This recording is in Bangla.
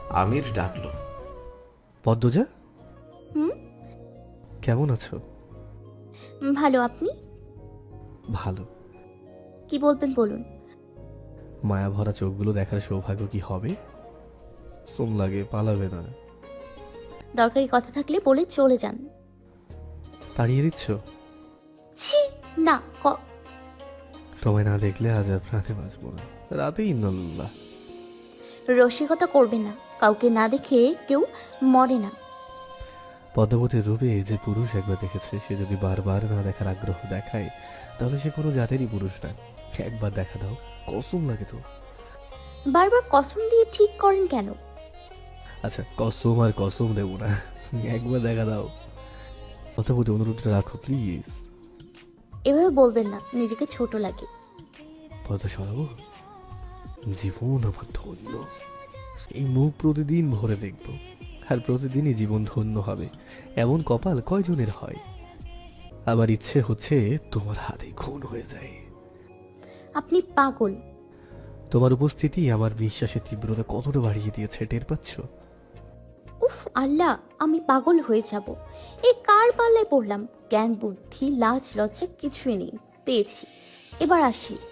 আমির ডাকলো। পদ্মজা, হুম, কেমন আছো? ভালো। আপনি? ভালো। কি বলবেন বলুন। মায়া ভরা চোখগুলো দেখার সৌভাগ্য কি হবে? সোম লাগে, পালাবে না। দরকারি কথা থাকলে বলে চলে যান। তাড়িয়ে দিচ্ছ? ছি, না। তোমায় না দেখলে আজ আর প্রাণে বাঁচবো না। রাতে ইন্নাল্লাহ। রসিকতা করবেন না, কাউকে না দেখে কেউ মরে না। পদ্মাবতীর রূপে যে পুরুষ একবার দেখেছে, সে যদি বারবার না দেখার আগ্রহ দেখায়, তাহলে সে কোনো জাতেরই পুরুষ না। একবার দেখা দাও, কসম লাগে তো। বারবার কসম দিয়ে ঠিক করেন কেন? আচ্ছা, কসম আর কসম দেবো না, একবার দেখা দাও। পদ্মাবতী, অনুরোধটা রাখো প্লিজ। এভাবে বলবেন না, নিজেকে ছোট লাগে। পদ্মা সরাবো? জীবন আমার ধন্য। এই মুখ প্রতিদিন ভরে দেখব, আর প্রতিদিনই জীবন ধন্য হবে। এমন কপাল কয়জনের হয়? আমার ইচ্ছে হচ্ছে তোমার হাতে খুন হয়ে যায়। আপনি পাগল। তোমার উপস্থিতি আমার বিশ্বাসের তীব্রতা কতটা বাড়িয়ে দিয়েছে, টের পাচ্ছ? উফ আল্লাহ, আমি পাগল হয়ে যাব। এই কার পাল্লায় পড়লাম? জ্ঞান বুদ্ধি লাজ লজ্জা কিছুই নেই, পেয়েছি। এবার আসি।